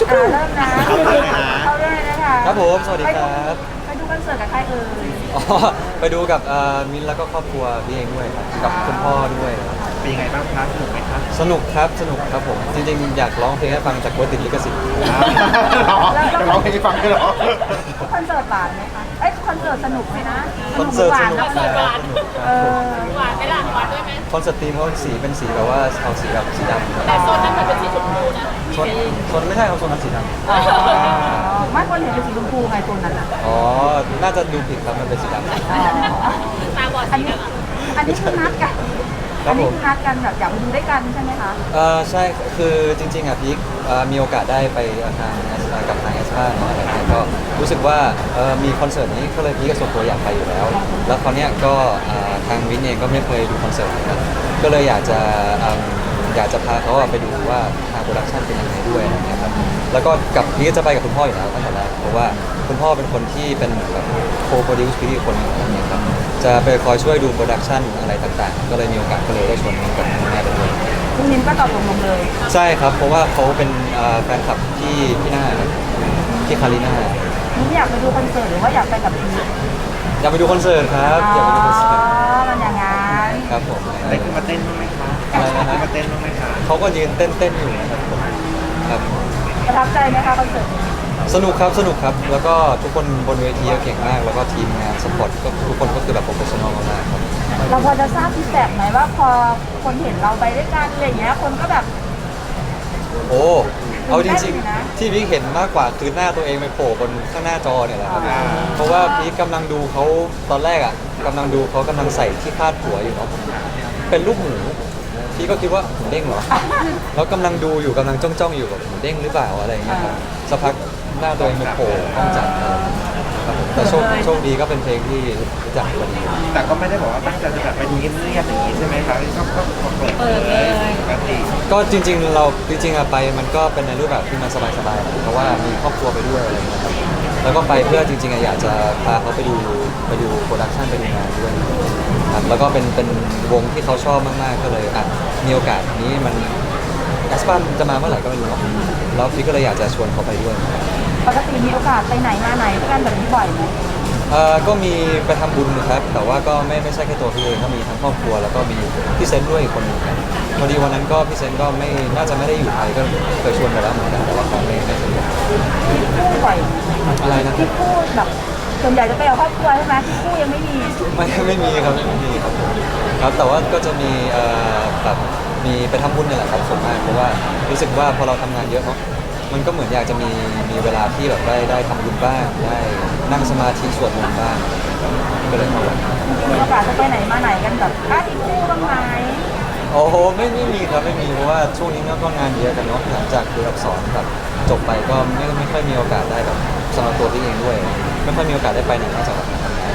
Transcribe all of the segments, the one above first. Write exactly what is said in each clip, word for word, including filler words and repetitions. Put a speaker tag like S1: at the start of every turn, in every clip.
S1: อ่าเริ่มนะเข้าเรื่องเลยนะเข้าเรื่องเลยนะคะ
S2: ครับผมสวัสดีครับ
S1: ไปดูคอนเสิร์ตกับใครเอ่ย
S2: อ๋อไปดูกับเอ่อมินแล้วก็ครอบครัวพี่เองด้วยครับกับคุณพ่อด้วย
S3: เป็นยังไงบ้างคะสนุกไหมคะ
S2: สนุกครับสนุกครับผมจริงๆอยากร้องเพลงให้ฟังจากกลัวติดลิขสิทธิ์
S3: จะร้องเพลงให้ฟังด้วยเหรอ
S1: คอนเสิร์ตหวานไหมคะเอ้ยคอนเสิร์ตสนุกไหมนะ
S2: คอนเสิร์ต
S1: ห
S2: ส
S1: วาน
S2: นุก
S1: นะ
S2: ใช่สนุกค
S1: เอ
S2: รับ
S1: อ
S2: ผม
S4: หวานไหมล่ะหวานด้วยไหม
S2: คอนเสิร์ตธีมเขาสีเป็นสีแบบว่าเอาสีแบบสีดำครับ
S4: แต่โซนนั้นมันเป็นสีชมพูนะ
S2: โซนโซนไม่ใช่ครับโซนนั้นสีด
S1: อ๋อไม่คนเห็นเป็นสีชมพูไงตัวนั้นอ่ะ
S2: ำอ๋อน่าจะดูผิดครับมันเป็นสีดำ
S1: อ๋อ
S4: ตาบอด
S1: อัน
S4: สี
S1: นี้
S4: กันเหรอ
S1: อันนี้คือนัดกัน
S2: ครั
S1: อั
S2: บ
S1: น
S2: ผ
S1: นี้
S2: ม
S1: คือนัดกันแบบอยากไปดูด้วยกันใช่ไหมคะ
S2: เออใช่คือจริงๆอ่ะพีคเอ่อมีโอกาสได้ไปทางแอสกับทางแอสพาเนาะอะไรเงี้ยก็รู้สึกว่าเอ่อมีคอนเสิร์ตนี้ก็เลยพีคก็ส่วนตัวอยากไปอยู่แล้ว แล้วคราวเนี้ยก็เอ่อทางวินเองก็ไม่เคยดูคอนเสิร์ตเหมือนกันก็เลยอยากจะเอิ่มอยากจะพาเขาอะไปดูว่าทางโปรดักชันเป็นยังไงด้วยอะไรเงี้ยครับแล้วก็กับพีคจะไปกับคุณพ่ออยู่แล้วตั้งแต่แรกเพราะว่าคุณพ่อเป็นคนที่เป็นเหมือนแบบโคโปรดิวซ์พีคคนหนึงอะไรเงี้ยครับจะไปคอยช่วยดูโปรดักชันอะไรต่างๆ ก็เลยมีโอกาสก็เลยได้ชวนกับคุณแม่ไปด้วย
S1: คุณนิมก็ตอบตกลงเลย
S2: ใช่ครับ เพราะว่าเขาเป็นเอ่อแฟนคลับที่พี่หน้าครับพี่คาริน่า
S1: นิมอยากไปดูคอนเสิร์ตหรือว่าอยากไปกับพีท
S2: อยากไปดูคอนเสิร์ตครับอยากไปดูคอนเสิร์ต
S1: มันอย่างงั้น
S2: ครับผม
S3: ได้ขึ้นมาเต้นบ้างไหมคะ
S2: อะไรนะ
S3: ได้
S2: ฮะ
S3: มาเต้นบ้างไหมคะ
S2: เขาก็ยืนเต้นเต้นๆอยู่นะครับผมครับ
S1: ประทับใจไหมคะคอนเสิร์ตนี้
S2: สนุกครับสนุกครับ แล้วก็ทุกคนบนเวทีก็เก่งมาก แล้วก็ทีมงานสปอร์ตก็ทุกคนก็คือแบบโปรเฟชชั่นอลมากๆครับ
S1: เราพอจะทราบฟีดแบ็กไหมว่าพอคนเห็นเราไปด้วยกันอะไรอย่างเงี้ยคนก็แบบ
S2: โอ้เอาจริง
S1: ตื่นเต้นอยู่นะ
S2: ๆ ที่พี่เห็นมากกว่าคือหน้าตัวเองไปโผล่บนข้างหน้าจอเนี่ยแหละครับ เพราะว่าพี่กำลังดูเขาตอนแรกอ่ะกำลังดูเขากำลังใส่ที่คาดหัวอยู่เนาะเป็นลูกหมูพี่ก็คิดว่าหมูเด้งเหรอ แล้วกำลังดูอยู่กำลังจ้องจ้องๆอยู่แบบหมูเด้งหรือเปล่าอะไรอย่างเงี้ยครับสักพักหน้าตัวเองมันโผล่กล้องจับครับผมแต่โชคโชคดีก็เป็นเพลงที่รู้จักพอดี
S3: แต่ก็ไม่ได้บอกว่าตั้งใจจะแบบไปดูเงียบๆอย่างนี้ใช่ไหมคะก็ก็ก็เปิดเลยปกติ
S2: ก็จริงๆเราจริงๆอะไปมันก็เป็นในรูปแบบที่มันสบายๆนะเพราะว่ามีครอบครัวไปด้วยอะไรอย่างเงี้ยครับแล้วก็ไปเพื่อจริงๆอะอยากจะพาเขาไปดูไปดูโปรดักชันไปดูงานด้วยครับแล้วก็เป็นเป็นวงที่เขาชอบมากๆก็เลยอ่ะมีโอกาสนี้มันแอสปันจะมาเมื่อไหร่ก็ไม่รู้เนาะแล้วพี่ก็เลยอยากจะชวนเขาไปด้วย
S1: ปกติมีโอกาสไปไหนมาไหนด้วยกันแบบนี้บ่อยไหม
S2: เอ่อก็มีไปทำบุญนะครับ แต่ว่าก็ไม่ไม่ใช่แค่ตัวพี่เองก็มีทั้งครอบครัวแล้วก็มีพี่เซนต์ด้วยอีกคนหนึ่งครับพอดีวันนั้นก็พี่เซนต์ก็ไม่น่าจะไม่ได้อยู่ไทยก็เคยชวนไปแล้วเหมือนกันแต่ว่าเขาไม่ไม่สะดวก
S1: ที่คู่บ่อย
S2: อะไรนะครั
S1: ที่
S2: บ
S1: คู่แบบส่วนใหญ่จะไปกับครอบครัวใช่ไหมที่คู่ยังไม่มี
S2: ไม่ไม่มีครับไม่มีครับผมครับแต่ว่าก็จะมีเอ่อแบบมีไปทำบุญเนี่ยแหละครับส่วนมากเพราะว่ารู้สึกว่าพอเราทำงานเยอะเนาะมันก็เหมือนอยากจะมีมีเวลาที่แบบได้ได้ทำบุญบ้างได้นั่งสมาธิสวดมนต์บ้างก็เลยมาวัน
S1: มีโอกาสจะไปไหนมาไหนกันแบบอ้าที่คู่บ้างไหม
S2: โอ้โหไม่ไม่มีครับไม่มีเพราะว่าช่วงนี้ก็งานเยอะกันเนาะหลังจากคืออักษรแบบจบไปก็ไม่ไม่ค่อยมีโอกาสได้แบบสำหรับตัวพี่เองด้วย ไม่ค่อยมีโอกาสได้ไปไหนนอกจากแบบมาทำงาน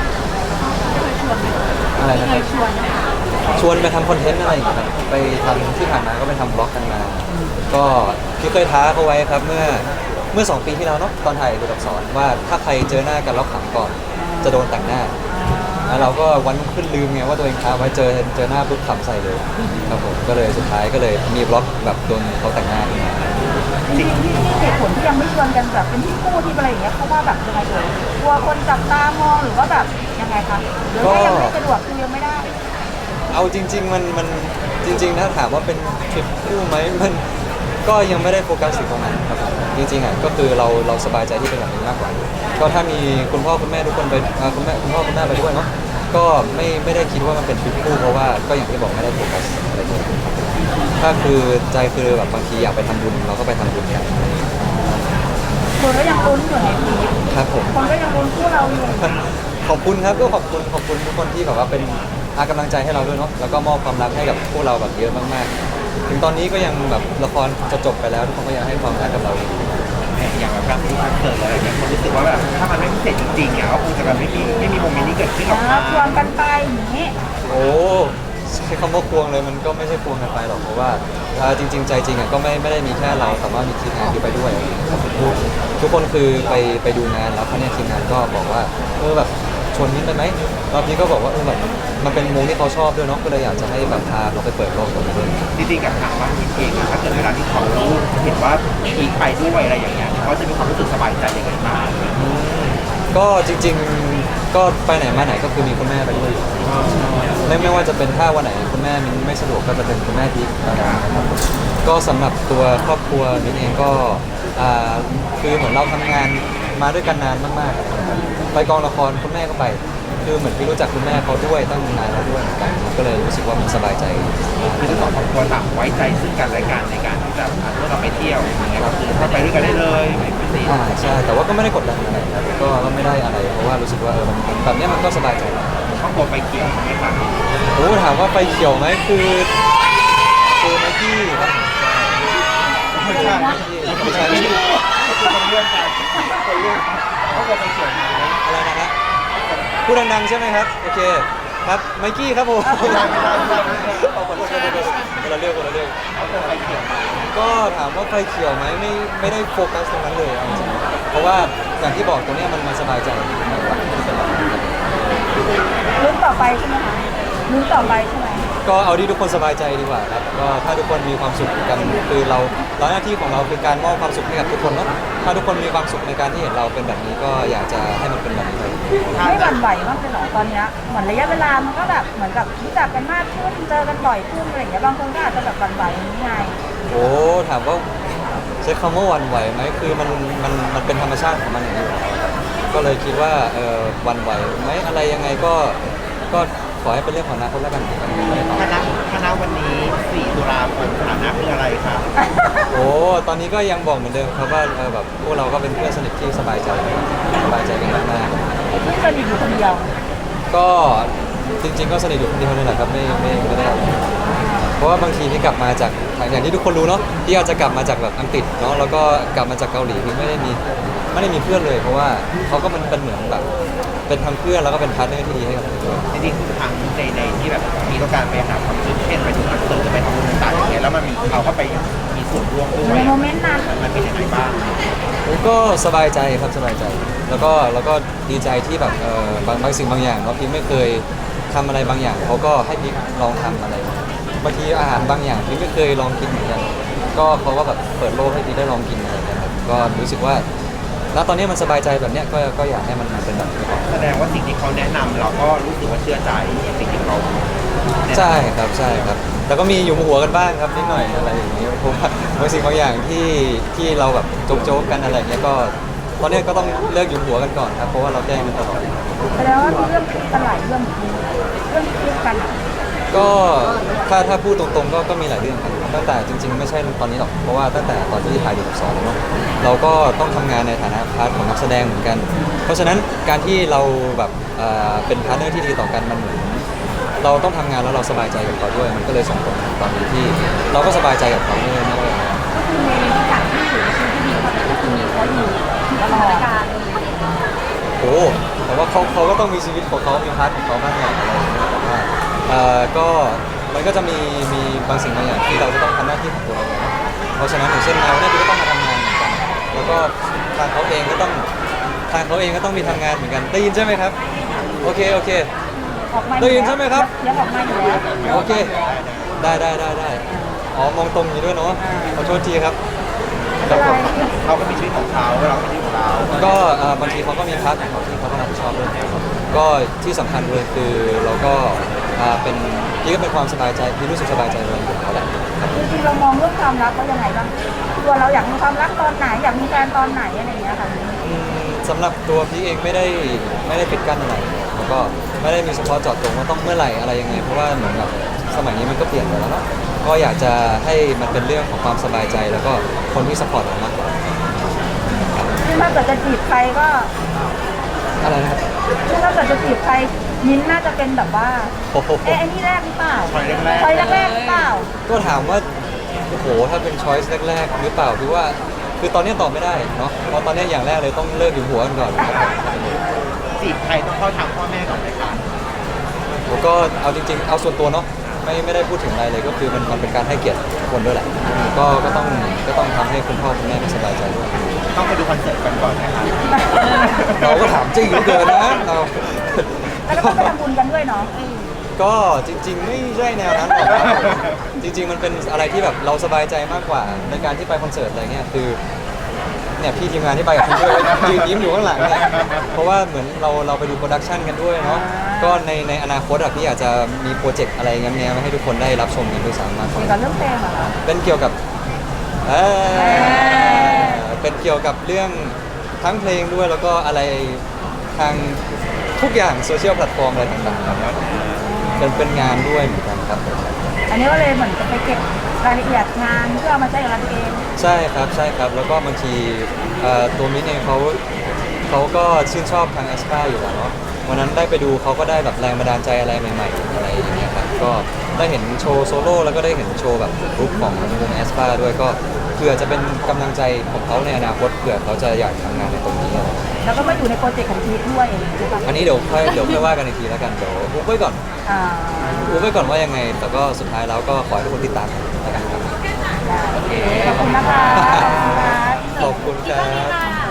S2: อะไรนะครับ
S1: ชวนค่ะ
S2: ชวนไปทำคอนเทนต์อะไรอย่างเงี้ยครับไปทำที่ผ่านมาก็ไปทำบล็อกกันมา ก็พี่เคยท้าเขาไว้ครับเมื่อเมื่อสองปีที่แล้วเนาะตอนถ่ายดูอักษรว่าถ้าใครเจอหน้ากันแล้วขำก่อนจะโดนแต่งหน้า แล้วเราก็วันรุ่งขึ้นลืมไงว่าตัวเองท้าไว้เจอเจอหน้าปุ๊บขำใส่เลยครับผมก็เลยสุดท้ายก็เลยมีบล็อกแบบโดนเขาแต่งหน้าขึ้นมา
S1: จริงๆที่ที่เหตุผลที่ยังไม่ชวนกันแบบเป็นที่คู่ที่อะไรอย่างเงี้ยเพราะว่าแบบยังไงเอ่ยกลัวคนจับตามองหรือว่าแบบยังไงคะหรือว่ายังไม่สะดวกคือยังไม่ได้
S2: เอาจริง ๆ มันมันจริง ๆ ถ้าถามว่าเป็นทริปคู่ไหมมันก็ยังไม่ได้โฟกัสถึงตรงนั้นครับผมจริงๆอ่ะก็คือเราเราสบายใจที่เป็นแบบนี้มากกว่า ก็ถ้ามีคุณพ่อคุณแม่ทุกคนไปอ่าคุณแม่คุณพ่อคุณแม่ไปด้วยเนาะก็ไม่ไม่ได้คิดว่ามันเป็นทริปคู่เพราะว่าก็อย่างที่บอกไม่ได้โฟกัสอะไรเลยครับถ้าคือใจคือแบบบางทีอยากไปทำบุญเราก็ไปทำบุญกัน
S1: คนก็ยังลุ้นอยู่ในทีม
S2: ครับผม
S1: คนก็ยังลุ้นคู่เราอยู่
S2: ขอบคุณครับก็ขอบคุณขอบคุณทุกคนที่แบบว่าเป็นอากำลังใจให้เราด้วยเนาะแล้วก็มอบความรักให้กับพวกเราแบบเยอะมากๆ ถึงตอนนี้ก็ยังแบบละครจะจบไปแล้วทุกคนก็ยังให้ความรักกับเราอยู่
S3: อย่างแบบการดูคอนเสิร์ตอะไรอย่างเงี้ยคนรู้สึกว่าแบบถ้ามันไม่พิเศษจริงๆอ่ะก็คงจะแบบไม่มีไม่มีโมเมนต์นี้เกิดขึ้นหรอก
S1: อ่า
S3: นะ
S1: ชวนกันไปอย่างนี้
S2: โอ้ใช้คำว่าควงเลยมันก็ไม่ใช่ควงกันไปหรอกเพราะว่าอ่าจริง ๆ ใจจริงอ่ะก็ไม่ไม่ได้มีแค่เราแต่ว่ามีทีมงานที่ไปด้วยทุกทุกคนคือไปไปดูงานแล้วเขาเนี่ยทีมงานก็บอกว่าเออแบบชวนมิ้นไปไหมแล้วพี่ก็บอกว่าเออแบบมันเป็นวงที่เขาชอบด้วยเนาะก็เลยอยากจะให้แบบพาเขาไปเปิดโลกตรงนี้ด้วย
S3: จริงๆกับทางบ้านพี่เองอะถ้าเกิดเวลาที่เขาเห็นว่าพีคไปด้วยอะไรอย่างเงี้ยเขาจะมีความรู้สึกสบายใจยังไงบ้าง
S2: ก็จริงๆก็ไปไหนมาไหนก็คือมีคุณแม่ไปด้วยไม่ไม่ว่าจะเป็นถ้าวันไหนคุณแม่มิ้นไม่สะดวกก็จะเป็นคุณแม่พีคนะครับก็สำหรับตัวครอบครัวมิ้นเองก็อ่าคือเหมือนเราทำงานมาด้วยกันนานมากๆไปกองละครคุณแม่ก็ไป คือเหมือนพี่รู้จักคุณแม่เขาด้วยตั้งนานแล้วด้วยเหมือนกันก็เลยรู้สึกว่ามันสบายใจ
S3: คือทั้งสองครอบครัวต่างไว้ใจซึ่งกันและกันในการที่จะอ่ะเมื่อเราไปเที่ยวอย่างเงี้ยก็คือเราไปด้วยกันได้เลยไม่เป็นไร
S2: อ่าใช่แต่ว่าก็ไม่ได้กดดันอะไรครับก็ก็ไม่ได้อะไรเพราะว่ารู้สึกว่าเออมันแบบเนี้ยมันก็สบายใจแล้ว
S3: ครอบครัวไปเกี่ยวใช่ไหมครับ
S2: โอ้ถามว่าไฟเขียวไหมคือคือไนกี้ครับ
S3: ไม่ใช่ไม่ใช่ไม่ใช่คือคนเรื่องกันคนเรื่องครอบครัวไปเกี่ยวไหม
S2: อะไรนะฮะพูดดังๆใช่ไหมครับโอเคครับไมกี้ครับผม
S3: ไม่ใช่ไม่ใช่ไม่ใช่ไม่ใช่
S2: เอาคนละเรื่องคนละเรื่องคนละเรื่อง
S3: ครอบครัวไปเกี่ยวไหม
S2: ก็ถามว่าไฟเขียวไหมไม่ไม่ได้โฟกัสตรงนั้นเลยเอาจริงๆเพราะว่าอย่างที่บอกตรงเนี้ยมันมันสบายใจมากกว่าที่จะแบบ
S1: ลุ้นต่อไปใช่ไหมคะลุ้นต่อไปใช่ไหม
S2: ก็เอาที่ทุกคนสบายใจดีกว่าครับก็ถ้าทุกคนมีความสุขกันคือเราเราหน้าที่ของเราคือการมอบความสุขให้กับทุกคนเนาะถ้าทุกคนมีความสุขในการที่เห็นเราเป็นแบบนี้ก็อยากจะให้มันเป็นแบบนี้ไป
S1: ไม่หวั่นไหวบ้างเลยเหรอตอนเนี้ยเหมือนระยะเวลามันก็แบบเหมือนกับรู้จักกันมากขึ้นเจอกันบ่อยขึ้นอะไรอย่างเงี้ยบางคนก็อาจจะแบบหวั่นไหวอย่างนี้ไง
S2: โอ้ถามว่าใช้คำว่าหวันไหวไหมคือมันมันมันเป็นธรรมชาติของมันอย่างนี้อยู่แล้วครับก็เลยคิดว่าเออหวันไหวไหมอะไรยังไงก็ก็ขอให้เป็นเรื่องของอนาคตแล้วกัน
S3: คณะคณะวันนี้สี่ตุลาคมสถานะคืออะไรครับ
S2: โอ้ตอนนี้ก็ยังบอกเหมือนเดิมครับว่าเออแบบพวกเราก็เป็นเพื่อนสนิทที่สบายใจสบายใจกันมากๆ
S1: ไม่สนิทอยู่คนเดียว
S2: ก็จริง ๆ ก็สนิทอยู่คนเดียวนี่แหละครับไม่ไม่ไม่ได้อะไรเพราะว่าบางทีที่กลับมาจากอย่างที่ทุกคนรู้เนาะที่อาจจะกลับมาจากแบบอังกฤษเนาะแล้วก็กลับมาจากเกาหลีที่ไม่ได้มีไม่ได้มีเพื่อนเลย เพราะว่าเขาก็มันเป็นเหมือนแบบเป็นทั้งเพื่อนแล้วก็เป็นพาร์ทเนอร์ที่ดีให้กับผมด้วย
S3: จริงๆทุกครั้งในในที่แบบมีต้องการไปหาความสุขเช่นไปถึงคอนเสิร์ตไปทำบุญต่างๆอย่างเงี้ยแล้วมันมีเขาก็ไปมีส่วนร่วมด้ว
S1: ใน
S3: ย
S1: โมเมนต์นั้น
S3: มันเป็นยังไงบ้าง
S2: ผมก็สบายใจครับสบายใจ แล้วก็แล้วก็ดีใจที่แบบเออบางบางสิ่งบางอย่างเนาะพี่ไม่เคยทำอะไรบางอย่างเขาก็ให้พี่ลองทำอะไรบางทีอาหารบางอย่างพี่ไม่เคยลองกินเหมือนกันก็เขาก็แบบเปิดโลกให้พี่ได้ลองกินอะไรอย่างเงี้ยครับก็รู้สึกว่าณตอนนี้มันสบายใจแบบเนี้ยก็ก็อยากให้มันเป็นแบบนี้ก่อน
S3: แสดงว่าสิ่งที่เขาแนะนำเราก็รู้สึกว่าเชื่อใจสิ่งที่เขาแนะนำ
S2: ใช่ครับใช่ครับแต่ก็มีอยู่หัวกันบ้างครับนิดหน่อยอะไรอย่างเงี้ยเพราะว่าบางสิ่งบางอย่างที่ที่เราแบบโจ๊กๆกันอะไรอย่างเงี้ยก็ตอนเนี้ยก็ต้องเลิกอยู่หัวกันก่อนครับเพราะว่าเราแกล้งกันตลอด
S1: แสดงว่ามีเรื่องคิดกันหลายเรื่องจริงเรื่องคิดกันอะ
S2: ก็ถ้าถ้าพูดตรงๆก็ก็มีหลายเรื่องครับตั้งแต่จริงๆไม่ใช่ตอนนี้หรอกเพราะว่าตั้งแต่ตอนที่ถ่ายดูสอนเนาะเราก็ต้องทำงานในฐานะพาร์ทของนักแสดงเหมือนกัน เพราะฉะนั้นการที่เราแบบเอ่อเป็นพาร์ทเนอร์ที่ดีต่อกันมันเหมือนเราต้องทำงานแล้วเราสบายใจกับเขาด้วย มันก็เลยส่งผลถึงตอนนี้ที่เราก็สบายใจกับเขาไม่ไม่ได้
S1: ก็คือในที่การที่อยู่ในชีวิตที่ดีเขาก็คือมีเขาอยู่ตลอดการ
S2: โอ้แต่ว่าเขาเขาก็ต้องมีชีวิตของเขามีพาร์ทของเขาบ้างแหละอะไรอย่างเงี้ยแต่ว่าเอ่อก็มันก็จะมีมีบางสิ่งบางอย่างที่เราจะต้องทำหน้าที่ของตัวเราเองเพราะฉะนั้นอย่างเช่นเราเนี่ยก็ต้องมาทำงานเหมือนกัน แล้วก็ทางเขาเองก็ต้องทางเขาเองก็ต้องมีทำงานเหมือนกันได้ยินใช่ไหมครับโอเคโอเค
S1: ออกมา
S2: ได้ยินใช่ไหมครับ
S1: ยังออกมาอยู่แล้ว
S2: โอเค ได้ได้ได้ได้อ๋อมองตรงอยู่ด้วยเนาะขอโทษทีครับครับผม
S3: เขาก็มีชีวิตของเขาเราก็มีชีวิตของเรา
S2: ก็เอ่อบางทีเขาก็มีพาร์ทของเขาที่เขาต้องรับผิดชอบด้วยนะครับก็ที่สำคัญเลยคือเราก็อ่าเป็นพี่ก็เป็นความสบายใจพี่รู้สึกสบายใจเลยอยู่แล้วแหละครับ
S1: จริงๆเรามองเรื่องความรักว่ายังไงบ้างตัวเราอยากมีความรักตอนไหนอยากมีแฟนตอนไหนอะไรอย่างเงี้ยค่ะ
S2: อืมสำหรับตัวพี่เองไม่ได้ไม่ได้ปิดกั้นอะไรแล้วก็ไม่ได้มีเฉพาะเจาะจงว่าต้องเมื่อไหร่อะไรยังไงเพราะว่าเหมือนกับสมัยนี้มันก็เปลี่ยนไปแล้วเนาะก็อยากจะให้มันเป็นเรื่องของความสบายใจแล้วก็คนที่สปอร์ตเรามากกว่า
S1: ซึ่งถ้าเกิดจะจีบใครก็
S2: อะไรนะครับ
S1: ซึ่งถ้าเกิดจะจีบใครมิ้นท์น่าจะเป็นแบบว่า
S2: โอ้โห
S1: เอ๊ะไอ้นี่แรกหรือเปล่า
S3: คอยแรก
S1: คอยแรกๆหรือเปล่า
S2: ก็ถามว่าโอ้โหถ้าเป็นช้อยส์แรกๆหรือเปล่าคือว่าคือตอนนี้ตอบไม่ได้เนาะเพราะตอนนี้อย่างแรกเลยต้องเลิกอยู่หัวกันก่อนครับ
S3: ๆจีบใครต้องเข้าทางพ่อแม่ก่อนไหมคะ
S2: ผมก็เอาจริงๆ เอาส่วนตัวเนาะไม่ไม่ได้พูดถึงอะไรเลยก็คือมันมันเป็นการให้เกียรติทุกคนด้วยแหละก็ก็ต้องก็ต้องทำให้คุณพ่อคุณแม่สบายใจด้วย
S3: ต้องไปดูคอนเสิร์ตกันก่อนนะครับ
S2: เราก็ถามจริงเหลือเกินนะเรา
S1: แล้วก็ต้องไปทำบุญกันด้วยเนาะ
S2: ก็จริง ๆ ไม่ใช่แนวนั้นหรอกครับจริง ๆ มันเป็นอะไรที่แบบเราสบายใจมากกว่าในการที่ไปคอนเสิร์ตอะไรเงี้ยคือเนี่ยพี่ทีมงานที่ไปกับคุณด้วยยืนยิ้มอยู่ข้างหลังเนี่ยเพราะว่าเหมือนเราเราไปดูโปรดักชันกันด้วยเนาะก็ในในอนาคตอะพี่อาจจะมีโปรเจกต์อะไรเงี้ยๆมาให้ทุกคนได้รับชมกันด้วยซ้ำมากก
S1: เกี่ยว
S2: ว่า
S1: กับเรื่องเพลงเหรอคะ
S2: เป็นเกี่ยวกับเอ่อเป็นเกี่ยวกับเรื่องทั้งเพลงด้วยแล้วก็อะไรทางทุกอย่างโซเชียลแพลตฟอร์มอะไรต่างๆครับเป็นเป็นงานด้วยเหมือนกันครับผม
S1: อันนี้ก็เลยเหมือนจะไปเก็บรายละเอียดงานเพื่อเอามาใช้กับเราเอง
S2: ใช่ครับใช่ครับแล้วก็บางทีเอ่อตัวมิ้นเองเขาเขาก็ชื่นชอบทางแอสปาอยู่แล้วเนาะวันนั้นได้ไปดูเขาก็ได้แบบแรงบันดาลใจอะไรใหม่ๆอะไรอย่างเงี้ยครับก็ได้เห็นโชว์โซโล่แล้วก็ได้เห็นโชว์แบบกรุ๊ปของวงแอสปาด้วยก็เผื่อจะเป็นกำลังใจของเขาในอนาคตเผื่อเขาจะอยากทำงานในตรงนี้อะไร
S1: แล้วก็มาอยู่ในโปรเจกต์ของพีทด้วยใช่ปะ
S2: อันนี้เดี๋ยวค่อยเดี๋ยวค่อยว่ากันอีกทีแล้วกันเดี๋ยวอุบไว้ก่อน
S1: อ่า
S2: อุบไว้ก่อนว่ายังไง แต่ก็สุดท้ายแล้วก็ขอให้ทุกคนติดตามแล้วกันครับ
S1: ได้โอเคขอบคุณนะคะขอบคุณค่ะ
S2: ขอบคุณครับ